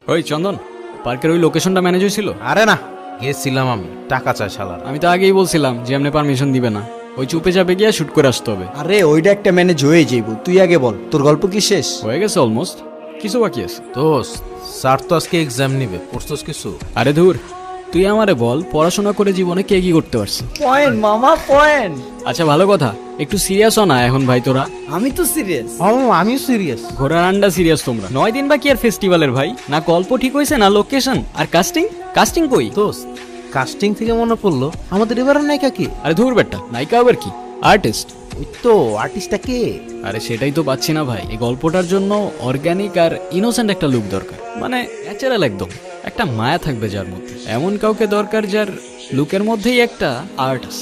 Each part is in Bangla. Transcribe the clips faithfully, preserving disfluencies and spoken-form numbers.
ওই চন্দন, পার্কের ওই লোকেশনটা ম্যানেজ হয়েছিল? আরে না, গেছিলাম আমি, টাকা চাই শালার। আমি তো আগেই বলছিলাম যে এমনি পারমিশন দিবে না, ওই চুপে চাপে গিয়ে শুট করে আসতে হবে। আরে ওইটা একটা ম্যানেজ হয়ে যাইব, তুই আগে বল তোর গল্প কি শেষ? হয়ে গেছে অলমোস্ট, কিছু বাকি আছে। দোস্ত, স্যার তো আজকে এক্সাম নিবে, পড়ছস কিছু? আরে ধুর, তুই আমারে বল পড়াশোনা করে জীবনে কে কি করতে পারছিস? পয়েন্ট মামা পয়েন্ট। আচ্ছা ভালো কথা, একটু সিরিয়াস হ না এখন ভাই তোরা। আমি তো সিরিয়াস। ও আমিও সিরিয়াস। ঘোড়ার আন্ডা সিরিয়াস তোমরা। নয় দিন বাকি আর ফেস্টিভ্যালের ভাই, না গল্প ঠিক হয়েছে না লোকেশন, আর কাস্টিং কাস্টিং কই? দোস্ত, কাস্টিং থেকে মনে পড়লো আমাদের এবারের নায়িকা কি? আরে ধুর বেটা, নায়িকা আবার কি, আর্টিস্ট। ওই তো আর্টিস্টটা কে? আরে সেটাই তো পাচ্ছি না ভাই, এই গল্পটার জন্য অর্গানিক আর ইনোসেন্ট একটা লুক দরকার, মানে ন্যাচারাল একদম, একটা মায়া থাকবে যার মধ্যে, এমন কাউকে দরকার যার লুকের মধ্যেই একটা আর্ট আছে।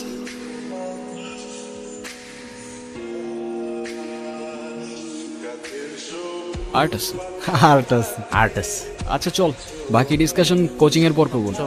আর্ট আছে, আর্ট আছে। আর্টিস্ট। আচ্ছা চল, বাকি ডিসকাশন কোচিং এর পর করবো।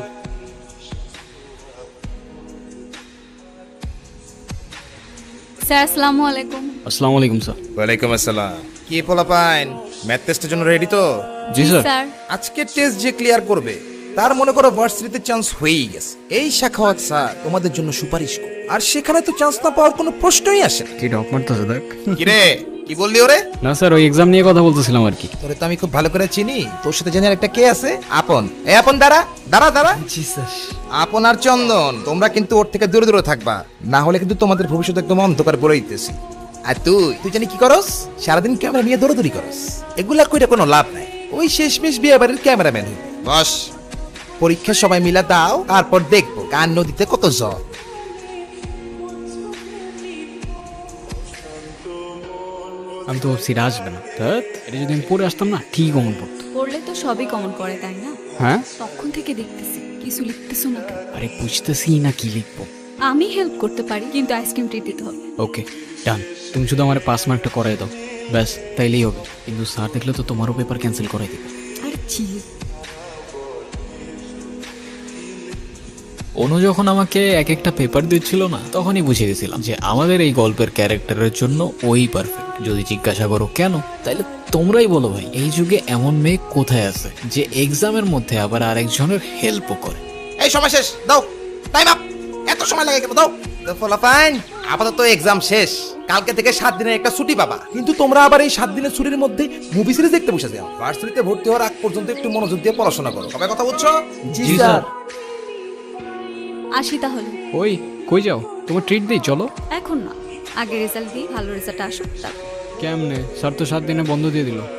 স্যার আসসালামু আলাইকুম। আসসালামু আলাইকুম স্যার। ওয়ালাইকুম আসসালাম। কি পোলাপাইন, ম্যাথ টেস্টের জন্য রেডি তো? জি স্যার। স্যার আজকে টেস্ট যে ক্লিয়ার করবে তার মনে করো ভার্সিটিতে চান্স হয়েই গেছে। এই শাখাওয়াত স্যার তোমাদের জন্য সুপারিশ করো, আর সেখানে তো চান্স না পাওয়ার কোনো প্রশ্নই আসে না। কি ডক মারতেছে দেখ। কি রে, কি বললি ওরে? না স্যার, ওই এক্সাম নিয়ে কথা বলতেছিলাম আর কি। তোরে তো আমি খুব ভালো করে চিনি, তোর সাথে জেনে একটা কে আছে? আপন। এই আপন, দাঁড়া দাঁড়া দাঁড়া। জি স্যার। আপন আর চন্দন, তোমরা কিন্তু ওর থেকে দূরে দূরে থাকবা, না হলে কিন্তু তোমাদের ভবিষ্যৎ একদম অন্ধকার বলে দিতেছি। আর তুই তুই জানি কি করস? সারাদিন ক্যামেরা নিয়ে দৌড়াদৌড়ি করস, এগুলা কইরা কোনো লাভ নাই। ওই শেষমেশ বিয়ে বাড়ির ক্যামেরাম্যান হইবি। বস, পরীক্ষা সবাই মিলা দাও, তারপর দেখবো কার নদীতে কত জল। আমি তো ভাবছি এটা আসবে না, ধ্যাৎ, এটা যদি আমি পড়ে আসতাম না ঠিক অমন পড়তো। পড়লে তো সবই কমন করে তাই না? হ্যাঁ, তখন থেকে দেখতেছি কিছু লিখতেছো না কেন? আরে বুঝতেছি না কি লিখবো। আমি হেল্প করতে পারি, কিন্তু আইসক্রিম ট্রিট দিতে হবে। ওকে ডান, তুমি শুধু আমার পাস মার্কটা করাই দাও, ব্যাস তাইলেই হবে। কিন্তু স্যার দেখলে তো তোমারও পেপার ক্যান্সেল করাই দেবে। আরে চিল। অনু যখন আমাকে এক একটা পেপার দিচ্ছিল না, তখনই বুঝে গেছিলাম যে আমাদের এই গল্পের ক্যারেক্টারের জন্য ওই পারফেক্ট। যদি জিজ্ঞাসা করো কেন, তাইলে তোমরাই বলো ভাই, এই যুগে এমন মেয়ে কোথায় আছে যে এক্সামের মধ্যে আবার আরেকজনের হেল্পও করে। এই সময় শেষ, দাও টাইম আপ। এত সময় লাগে কেন? দাও। তো পোলাপাইন, আপাতত এক্সাম শেষ, কালকে থেকে সাত দিনের একটা ছুটি পাবা। কিন্তু তোমরা আবার এই সাত দিনের ছুটির মধ্যে মুভি সিরিজ দেখতে বসে যাও। ভার্সিটিতে ভর্তি হওয়ার আগ পর্যন্ত একটু মনোযোগ দিয়ে পড়াশোনা করো। সবাই কথা বুঝছো? জি স্যার। আসি তাহলে। ওই কই যাও? তোমার ট্রিট দিই, চলো। এখন না, আগে রেজাল্ট দিই, ভালো রেজাল্ট আসুক তারপর। কেমনে? স্যার তো সাত দিনে বন্ধ দিয়ে দিল।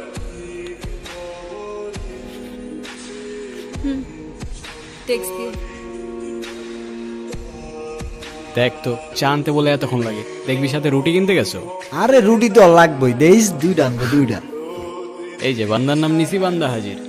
টেক্সট দিও। দেখ তো, চা আনতে বলে এতক্ষণ লাগে, দেখবি সাথে রুটি কিনতে গেছো। আরে রুটি তো লাগবেই, দেইস দুইটা আনবো দুইটা। এই যে বান্দার নাম নিছি, বান্দা হাজির।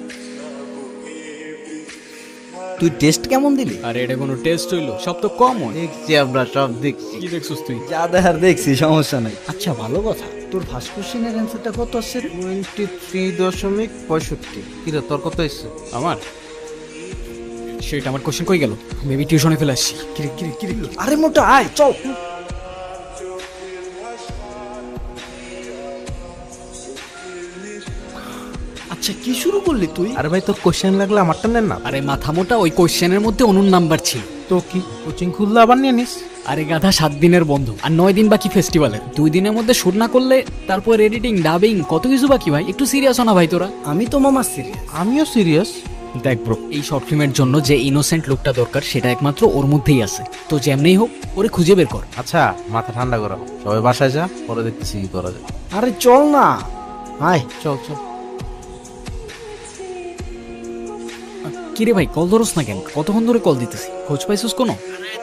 তুই টেস্ট কেমন দিলি? আর এটা কোনো টেস্ট হইলো? সব তো কমন। দেখছি আমরা সব দেখছি। কি দেখছিস তুই? যা দেখার দেখছি, সমস্যা নাই। আচ্ছা ভালো কথা, তোর ফার্স্ট কোশ্চেনের অ্যান্সারটা কত আসছে? টোয়েন্টি থ্রি দশমিক পঁয়ষট্টি। কিরে তোর কত এসছে? আমার সেটা আমার কোশ্চেন কই গেল? মেবি টিউশনে ফেলে আসছি। কিরে কিরে কিরে, আরে মোটা আয় চল। আচ্ছা কি শুরু করলি তুই? আরে ভাই, তোর কোশ্চেন লাগলে আমারটা নেন না। আরে মাথা মোটা, ওই কোশ্চেনের মধ্যে অনুর নাম্বার ছিল। তো কি কোচিং খুললে আবার নিয়ে নিস? আরে গাধা, সাত দিনের বন্ধ আর নয় দিন বাকি ফেস্টিভ্যালের। দুই দিনের মধ্যে শুট না করলে তারপর এডিটিং, ডাবিং, কত কিছু বাকি ভাই। একটু সিরিয়াস হও না ভাই তোরা। আমি তো মামা সিরিয়াস। আমিও সিরিয়াস। দেখ ব্রো, এই শর্ট ফিল্মের জন্য যে ইনোসেন্ট লুকটা দরকার সেটা একমাত্র ওর মধ্যেই আছে। তো যেমনেই হোক ওরে খুঁজে বের কর। আচ্ছা মাথা ঠান্ডা করো, সবাই বাসায় যা, পরে দেখতেছি কি করা যায়। আরে চল না, আয়। চল চল। কিরে ভাই, কল ধরস না কেন? কতক্ষণ ধরে কল দিতেছি, খোঁজ পাইছিস কোনো?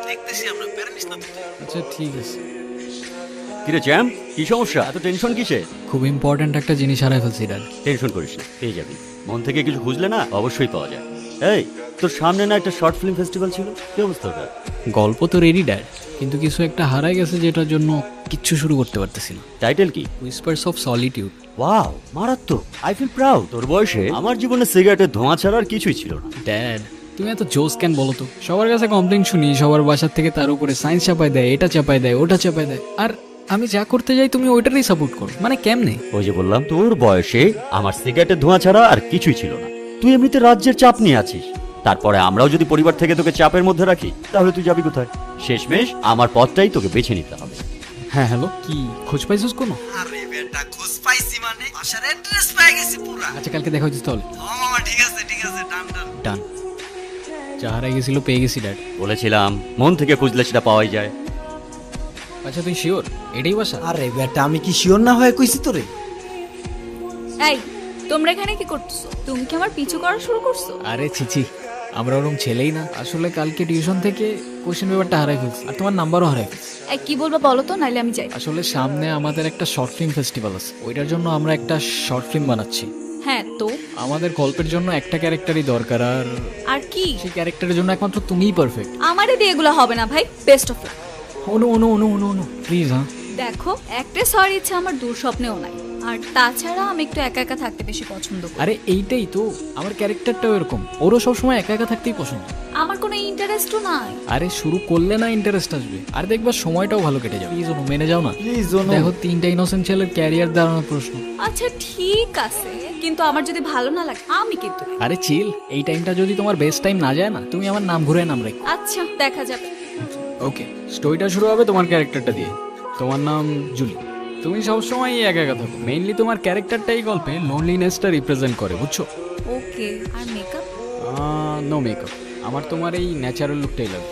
আচ্ছা ঠিক আছে। কিরে জ্যাম, কি সমস্যা? এত টেনশন কিসে? খুব ইম্পর্ট্যান্ট একটা জিনিস হারাই ফেলছি ডাল। টেনশন করিস না, পেয়ে যাবি। মন থেকে কিছু খুঁজলে না অবশ্যই পাওয়া যায়। এই, তোর সামনে না একটা শর্ট ফিল্ম ফেস্টিভ্যাল ছিল, কি অবস্থা ওটা? গল্প তো রেডি ড্যাড, কিন্তু কিছু একটা হারাই গেছে যেটার জন্য কিচ্ছু শুরু করতে পারতেছি না। টাইটেল কি? Whispers of solitude. ওয়াও, মারাত্মক। I feel proud. তোর বয়সে আমার জীবনে সিগারেটের ধোঁয়া ছাড়া আর কিছুই ছিল না। ড্যাড, তুমি এত জোস কেন বলো তো? সবার কাছে কমপ্লেন শুনি, সবার বাসার থেকে তার উপরে সায়েন্স চাপায় দেয়, এটা চাপায় দেয়, ওটা চাপায় দেয়, আর আমি যা করতে যাই তুমি ওইটারই সাপোর্ট করো। মানে কেমনে? ওই যে বললাম, তোর বয়সে আমার সিগারেটের ধোঁয়া ছাড়া আর কিছুই ছিল না। তুই এমনিতে রাজ্যের চাপ নিয়ে আছিস, তারপরে আমরাও যদি পরিবার থেকে তোকে চাপের মধ্যে রাখি তাহলে তুই যাবি কোথায়? শেষমেশ আমার পথটাই তোকে বেছে নিতে হবে। হ্যাঁ হ্যালো, কি খোঁজ পাইছিস কোনো? আরে বেটা খোঁজ পাইছি মানে বাসার অ্যাড্রেস পেয়ে গেছি পুরা। আচ্ছা কালকে দেখা হচ্ছিস তাহলে। ও মামা ঠিক আছে ঠিক আছে ডান ডান। ডান। যা হারাই গেছিল পেয়ে গেছি ড্যাড। বলেছিলাম মন থেকে খুঁজলে সেটা পাওয়াই যায়। আচ্ছা তুই শিওর এটাই বাসা? আরে বেটা আমি কি শিওর না হয়ে কইছি তোরে? এই তোমরা এখানে কি করতেছো? তুমি কি আমার পিছু করা শুরু করছো? আরে ছিছি, আমরা ওরকম ছেলেই না। আসলে কালকে টিউশন থেকে কোশ্চেন পেপারটা হারাই ফেলছি আর তোমার নাম্বারও হারাই ফেলছি। এই কি বলবো বলো তো, নাইলে আমি যাই। আসলে সামনে আমাদের একটা শর্ট ফিল্ম ফেস্টিভ্যাল আছে, ওইটার জন্য আমরা একটা শর্ট ফিল্ম বানাচ্ছি। হ্যাঁ তো আমাদের গল্পের জন্য একটা ক্যারেক্টারই দরকার, আর আর কি? সেই ক্যারেক্টারের জন্য একমাত্র তুমিই পারফেক্ট। আমারে দিয়ে এগুলো হবে না ভাই, best of luck. Anu Anu Anu Anu Anu please. হ্যাঁ দেখো, অ্যাক্ট্রেস হওয়ার ইচ্ছা আমার দূর স্বপ্নেও নাই, আর তাছাড়া আমি একটু একা একা থাকতে বেশি পছন্দ করি। আরে এইটাই তো, আমার ক্যারেক্টারটাও এরকম, ওরও সবসময় একা একা থাকতেই পছন্দ। আমার কোনো ইন্টারেস্টও নাই। আরে শুরু করলে না ইন্টারেস্ট আসবে, আর দেখবা সময়টাও ভালো কেটে যাবে। প্লিজ অনু মেনে যাও না। প্লিজ অনু। দেখো তিনটা ইনোসেন্ট ছেলের ক্যারিয়ার দাঁড়ানোর প্রশ্ন। আচ্ছা ঠিক আছে, কিন্তু আমার যদি ভালো না লাগে আমি কিন্তু। আরে চিল, এই টাইমটা যদি তোমার বেস্ট টাইম না যায় না, তুমি আমার নাম ঘুরে নাম রেখো। আচ্ছা দেখা যাবে। ওকে, স্টোরিটা শুরু হবে তোমার ক্যারেক্টারটা দিয়ে। তোমার নাম জুলি। তুমি সবসময় একা একা থাকো, মেইনলি তোমার ক্যারেক্টারটাই গল্পে লোনলিনেসটা রিপ্রেজেন্ট করে, বুঝছো? ওকে, আর মেকআপ? নো মেকআপ, আমার তোমার এই ন্যাচারাল লুকটাই লাগবে।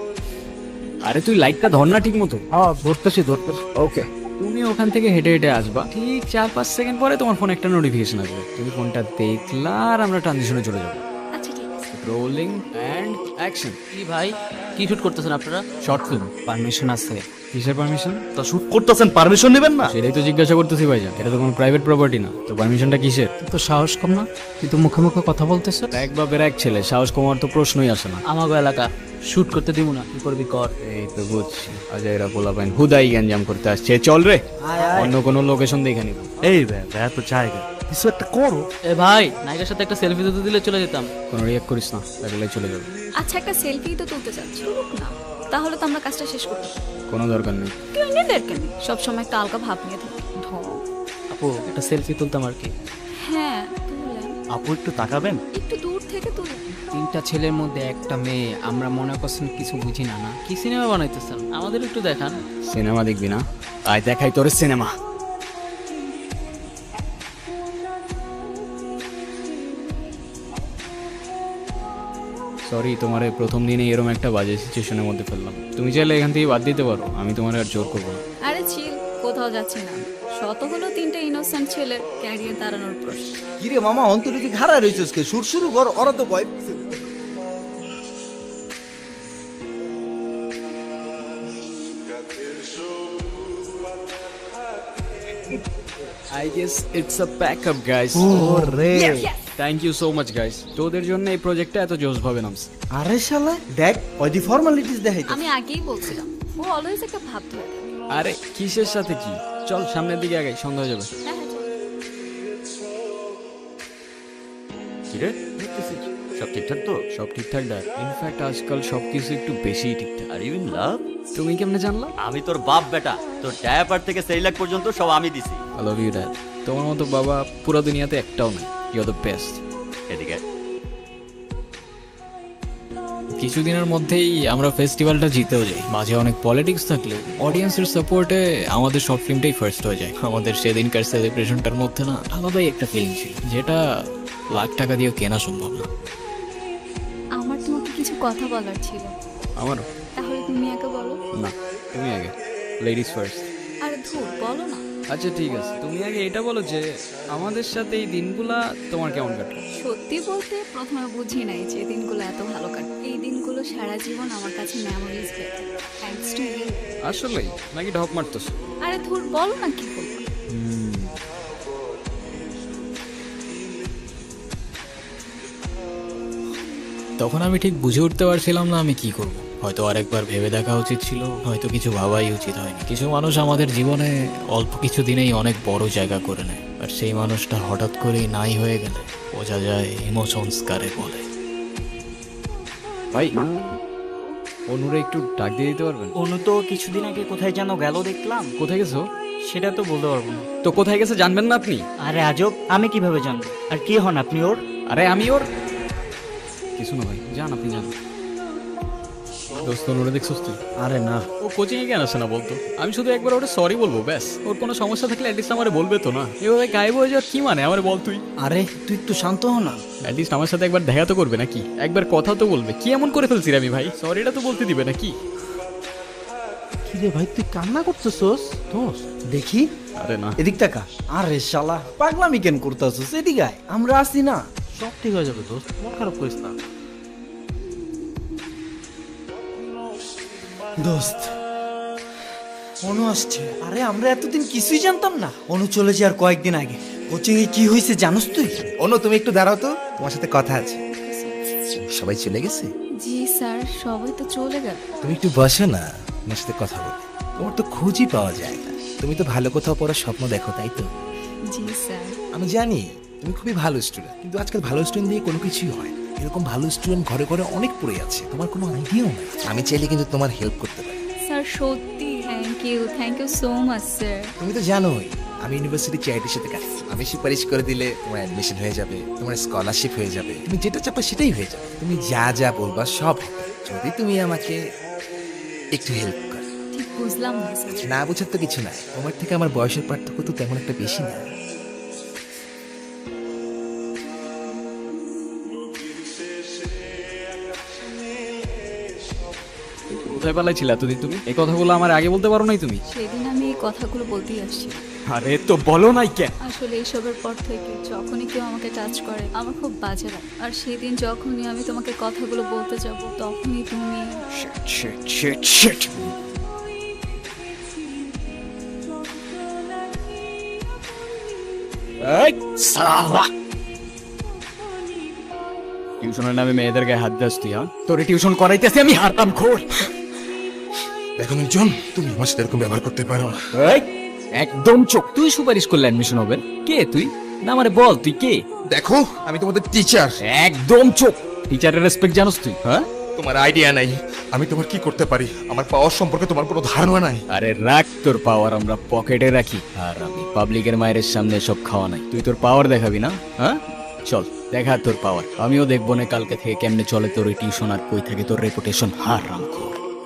আরে তুই লাইটটা ধর না ঠিক মতো। হ্যাঁ ধরতেছি ধরতেছি। ওকে, তুমি ওখান থেকে হেঁটে হেঁটে আসবা, ঠিক চার পাঁচ সেকেন্ড পরে তোমার ফোনে একটা নোটিফিকেশন আসবে। তুমি ফোনটা দেখলা আর আমরা ট্রানজিশনে চলে যাবো। আচ্ছা ঠিক আছে। Rolling and action. কি ভাই, কি শুট করতেছেন আপনারা? Short film. পারমিশন আছে? কিসের পারমিশন? তো শুট করতেছেন, পারমিশন নেবেন না? সেটাই তো জিজ্ঞাসা করতেছি ভাইজান, এটা তো কোনো প্রাইভেট প্রপার্টি না, তো পারমিশনটা কিসের? তো সাহস কম না, তুই তো মুখে মুখে কথা বলতেছ। এক বাপের এক ছেলে, সাহস কমার তো প্রশ্নই আসে না। আমাগো এলাকা শুট করতে দিব না, কি করবি কর। এই তো বুঝছি, আজা এরা পোলা পাইন হুদাই গ্যাঞ্জাম করতে আসছে। চল রে, অন্য কোনো লোকেশন দেখে নিব। এই ভাই ভাই তো জায়গা কিছু একটা করো। এ ভাই, নায়িকার সাথে একটা সেলফি দিতে দিলে চলে যেতাম। কোনো রিয়াক্ট করিস না, লাগলে চলে যাবে। আচ্ছা একটা সেলফি তো তুলতে চাচ্ছি না, তাহলে তো আমরা কাজটা শেষ করতে পারি। কোনো দরকার নেই। কেউ নিজেদের কেন সবসময় একটা আলগা ভাব নিয়ে থাকি। ঢং। আপু একটা সেলফি তুলতাম আর কি। হ্যাঁ তুলেন, আপু একটু তাকাবেন। একটু দূর থেকে তুলেন। তিনটা ছেলের মধ্যে একটা মেয়ে, আমরা মনে করছেন কিছু বুঝি না না। কি সিনেমা বানাইতেছেন, আমাদের একটু দেখান। সিনেমা দেখবি না? আয় দেখাই তোর সিনেমা। সরি, তোমার এই প্রথম দিনে এরকম একটা বাজে সিচুয়েশনের মধ্যে ফেললাম। তুমি চাইলে এখান থেকে বাদ দিতে পারো, আমি তোমার আর জোর করবো না। আরে চিল, কোথাও যাচ্ছি না। শত হলো তিনটা ইনোসেন্ট ছেলের ক্যারিয়ার দাঁড়ানোর প্রশ্ন। কিরে মামা অন্তরিকে খাড়া রইছস কে? শুট শুরু কর, ওরা তো ভয়। I guess it's a backup guys. ওরে thank you so much guys, তোদের জন্য এই প্রজেক্টটা এত জোস ভাবে নামছে। আরে শালা দেখ ওই দি ফর্মালিটিস দেখাইতে। আমি আগেই বলছিলাম, ও অলওয়েজ একটা ভাব ধরে থাকে। আরে কিসের সাথে কি, চল সামনের দিকে আগাই, সন্ধ্যা হয়ে যাবে। হ্যাঁ হ্যাঁ চলো। কিরে সব ঠিকঠাক তো? সব ঠিকঠাক ডাক, ইনফ্যাক্ট আজকাল সবকিছু একটু বেশিই ঠিকঠাক। Are you in love? তুমি কেমনে জানলা? আমি তোর বাপ বেটা, তোর ডায়াপার থেকে সেরিলাক পর্যন্ত সব আমি দিছি। I love you dad. তোমার মতো বাবা পুরো দুনিয়াতে একটাও নেই। You are the best. এদিকে কিছুদিনের মধ্যেই আমরা ফেস্টিভ্যালটা জিতেও যাই। মাঝে অনেক পলিটিক্স থাকলে অডিয়েন্সের সাপোর্টে আমাদের শর্ট ফিল্মটাই ফার্স্ট হয়ে যায়। আমাদের সেদিনকার সেলিব্রেশনটার মধ্যে না আলাদাই একটা ফিলিং ছিল, যেটা লাখ টাকা দিয়েও কেনা সম্ভব না। আমার তোমাকে কিছু কথা বলার ছিল। আমারও। তাহলে তুমি আগে বলো। না, তুমি আগে, লেডিস ফার্স্ট। আরে ধুর, বলো না। আচ্ছা ঠিক আছে, তুমি আগে এটা বলো যে আমাদের সাথে এই দিনগুলা তোমার কেমন কাটলো? সত্যি বলতে প্রথমে বুঝি নাই যে দিনগুলো এত ভালো কাটে। এই দিনগুলো সারা জীবন আমার কাছে মেমোরিজ হয়ে থাকে। Thanks to you. আসলেই নাকি ঢপ মারতেছো? আরে ধুর, বলো না কি বলবো। তখন আমি ঠিক বুঝে উঠতে পারছিলাম না আমি কি করব। হয়তো আরেকবার ভেবে দেখা উচিত ছিল, হয়তো কিছু ভাবাই উচিত হয়নি। কিছু মানুষ আমাদের জীবনে অল্প কিছু দিনেই অনেক বড় জায়গা করে নেয়, আর সেই মানুষটা হঠাৎ করেই নাই হয়ে গেলে বোঝা যায় ইমোশনস কারে বলে। ভাই, অনুরে একটু ডাক দিয়ে দিতে পারবেন? অনু তো কিছুদিন আগে কোথায় যেন গেল দেখলাম। কোথায় গেছো? সেটা তো বলতে পারবো না। তো কোথায় গেছে জানবেন না আপনি? আরে আজব, আমি কিভাবে জানবো? আর কি হন আপনি ওর? আরে আমি ওর কিছু না ভাই, যান আপনি যান। দোস্ত ওরে দেখছিস তুই? আরে না, ও কোচিং এ কেন আসে না বলতো? আমি শুধু একবার ওটা সরি বলবো ব্যাস। ওর কোনো সমস্যা থাকলে অ্যাটলিস্ট আমারে বলবে তো না? এভাবে গায়েব হয়ে যাওয়ার কি মানে আমার বল তুই? আরে তুই একটু শান্ত হ না। অ্যাটলিস্ট আমার সাথে একবার দেখা তো করবে নাকি? একবার কথা তো বলবে। কি এমন করে ফেলছি রে আমি ভাই? সরিটা তো বলতে দিবে নাকি? কি রে ভাই, তুই কান্না করতেছস? দোস্ত দেখি, আরে না, এদিক টাকা। আরে শালা পাগলামি কেন করতেছিস? এদিকে আয়, আমরা আছি না। সব ঠিক হয়ে যাবে দোস্ত, মন খারাপ করিস না। দোস্ত অনু আসছে। আরে আমরা এতদিন কিছুই জানতাম না। অনু চলে যাওয়ার কয়েকদিন আগে কোচিং এ কি হয়েছে জানোস তুই? অনু তুমি একটু দাঁড়াও তো, তোমার সাথে কথা আছে। সবাই চলে গেছে? জি স্যার, সবাই তো চলে গেল। তুমি একটু বসো না, তোমার সাথে কথা বলি। তোমার তো খুঁজই পাওয়া যায় না। তুমি তো ভালো কোথাও পড়ার স্বপ্ন দেখো, তাই তো? জি স্যার। আমি জানি তুমি খুবই ভালো স্টুডেন্ট, কিন্তু আজকাল ভালো স্টুডেন্ট দিয়ে কোনো কিছুই হয় না। এরকম ভালো স্টুডেন্ট ঘরে ঘরে অনেক পড়ে আছে, তোমার কোনো আইডিয়াও নেই। আমি চাইলে কিন্তু তোমার হেল্প করতে পারি। স্যার সত্যি thank you, thank you so much sir. তুমি তো জানোই আমি ইউনিভার্সিটি চ্যারিটির সাথে কাজ করি। আমি সুপারিশ করে দিলে তোমার অ্যাডমিশন হয়ে যাবে, তোমার স্কলারশিপ হয়ে যাবে, তুমি যেটা চাপা সেটাই হয়ে যাবে। তুমি যা যা বলবা সব হবে, যদি তুমি আমাকে একটু হেল্প করো। ঠিক বুঝলাম না স্যার। না বুঝার তো কিছু নাই, তোমার থেকে আমার বয়সের পার্থক্য তো তেমন একটা বেশি না। কোথায় পালাইছিলে এতদিন তুমি? এই কথাগুলো আমার আগে বলতে পারো নাই তুমি? সেদিন আমি এই কথাগুলো বলতেই আসছি। আরে তো বলো নাই কেন? আসলে এইসবের পর থেকে যখনই কেউ আমাকে টাচ করে আমার খুব বাজে লাগে। আর সেদিন যখনই আমি তোমাকে কথাগুলো বলতে যাব তখনই তুমি শিট শিট শিট। এই সালা, টিউশনের নামে মেয়েদের গায়ে হাত দিস তুই? হ্যাঁ, তোরে টিউশন করাইতেছি আমি, হারতাম খোর। দেখো মির্জন, তুমি আমার সাথে এরকম ব্যবহার করতে পারো না। এই একদম চোখ। তুই সুপারিশ করলে অ্যাডমিশন হবে? কে তুই? না আমারে বল তুই কে? দেখো আমি তোমাদের টিচার। একদম চোখ। টিচারের রেসপেক্ট জানোস তুই? হ্যাঁ, তোমার আইডিয়া নাই আমি তোমার কি করতে পারি। আমার পাওয়ার সম্পর্কে তোমার কোনো ধারণা নাই। আরে রাখ তোর পাওয়ার, আমরা পকেটে রাখি। আর আমি পাবলিকের মায়ের সামনে সব খাওয়া নাই। তুই তোর পাওয়ার দেখাবি না? হ্যাঁ চল দেখা তোর পাওয়ার। আমিও দেখবো না কালকে থেকে কেমনে চলে তোর ওই টিউশন আর কই থাকে তোর রেপুটেশন। হার রামখোর।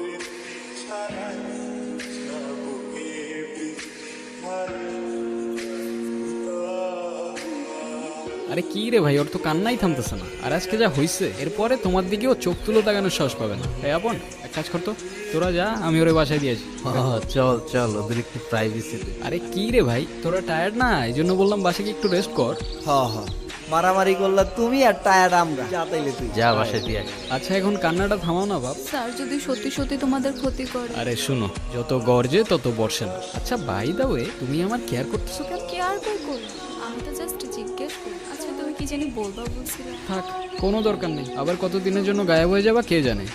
আরে কি রে ভাই, ওর তো কান্নাই থামতেছে না। আর আজকে যা হইছে এরপরে তোমার দিকেও চোখ তুলো তাকানোর সাহস পাবে না। এই আপন এক কাজ করতো, তোরা যা, আমি ওরে বাসায় দিয়েছি। চল চল, ওদের একটু প্রাইভেসি দে। আরে কি রে ভাই, তোরা টায়ার্ড না? এই জন্য বললাম বাসায় গিয়ে একটু রেস্ট কর। হ হ, মারামারি করলা তুমি আর টায়ার আমরা। যা তাইলে তুই যা বাসায় দিয়ে আয়। আচ্ছা এখন কান্নাটা থামাও না বাপ। স্যার যদি সত্যি সত্যি তোমাদের ক্ষতি করে। আরে শুনো, যত গর্জে তত বর্ষে না। আচ্ছা বাই দা ওয়ে, তুমি আমার কেয়ার করতেছো কেন? কি আর কই করব, আমি তো জাস্ট জিজ্ঞেস করি। আচ্ছা তুমি কি জানি বলবা বলছিলে? থাক, কোনো দরকার নেই। আবার কতদিনের জন্য গায়েব হয়ে যাবা কে জানে।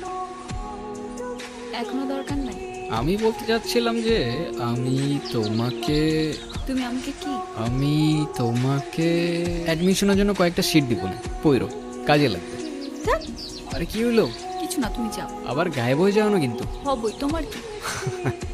এখনো দরকার নাই। আমি বলতে চাচ্ছিলাম যে আমি তোমাকে তুমি আমাকে কি? আমি তোমাকে অ্যাডমিশনের জন্য কয়েকটা সিট দিব না, পইরো, কাজে লাগবে। ধ্যাৎ, আরে কি হইলো? কিছু না, তুমি যাও। আবার গায়েব হয়ে যাও না কিন্তু। হবই, তোমার কি?